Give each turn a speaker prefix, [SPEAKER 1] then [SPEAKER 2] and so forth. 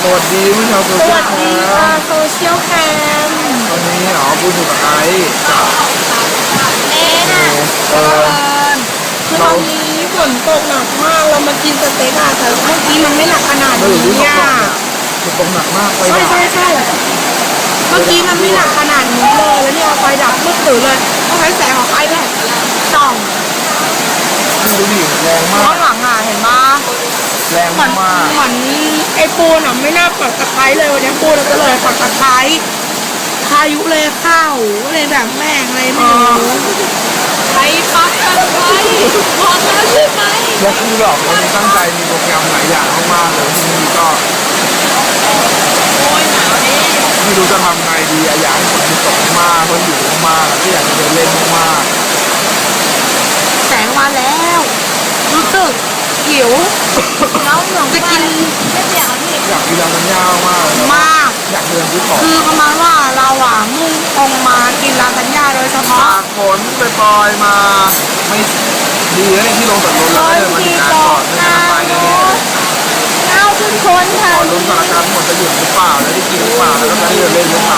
[SPEAKER 1] สวัสดีผู้ชาวโซ
[SPEAKER 2] ส
[SPEAKER 1] เชีย
[SPEAKER 2] วั
[SPEAKER 1] ล
[SPEAKER 2] ส
[SPEAKER 1] แค
[SPEAKER 2] ดีค่ะ
[SPEAKER 1] ม
[SPEAKER 2] โซเชียลแคม
[SPEAKER 1] ตอนนี้พูดอยู่กับไอซ์กับ
[SPEAKER 2] เอ๊ะ
[SPEAKER 1] เออ
[SPEAKER 2] คือตอนนี้ฝนตกหนักมากเรามากินสเต็กอะแต่เมื่อกี้มันไม่หนักขนาด
[SPEAKER 1] เราอยู่
[SPEAKER 2] นี้
[SPEAKER 1] ที่เขา
[SPEAKER 2] อะ
[SPEAKER 1] บอกเนี่ยมันตกหนักมากไป
[SPEAKER 2] ใช่ใช่ใช่เมื่อกี้มันไม่หนักขนาดนี้เลยแล้วเนี่ยไฟดับมืดตื่นเลยต้องใช้แสงของ iPad ส่อง
[SPEAKER 1] ดูดิแรงมา
[SPEAKER 2] ข้าก งหลังอะเห็นปะ
[SPEAKER 1] แรง
[SPEAKER 2] เหมือน
[SPEAKER 1] มาก
[SPEAKER 2] เหมือนไอ้ปูนอะไม่น่าปักตะไคร้เลยวันนี้ปูนเราก็เลยปักตะไคร้พายุเลยเข้าเลยแบบแม่งเลยไม่รู้ใครปักตะไคร้พอแล้วใช่ไหม
[SPEAKER 1] แล้วคือแบบวันนี้ตั้งใจมีโปรแกรมหลายอย่างมากๆเลยที่นี่ก็
[SPEAKER 2] โอ้ยหนาวดิ
[SPEAKER 1] ไม่รู้จะทำไงดีอยากให้ฝนตกมากเพราะอยู่มากๆก็อยากจะเดินเล่นมาก
[SPEAKER 2] แสงมาแล้ว รู้สึกหิวน้องหลงจะกินไม่เปียกอ่ะพี่
[SPEAKER 1] ๆอยากกินลาซานญ่ามากเลย
[SPEAKER 2] มาก
[SPEAKER 1] อยากเดินซื้อของ
[SPEAKER 2] คือประมาณว่าเราอ่ะมุ่งตรงมากินลาซานญ่าโดยเฉพาะ
[SPEAKER 1] ตากฝนไปปล่อยๆมาไม่ดีนะที่ลงจากรถแล้วก็เดินมาถึงงานก่อนไม่งั้นไปแน่ๆเลย
[SPEAKER 2] เอาทุกคนค่ะ
[SPEAKER 1] ขอลุ้นสถานการณ์หมดจะหยุดหรือเปล่าแล้วได้กินหรือเปล่าแล้วก็จะได้เดินเล่นหรือเปล่า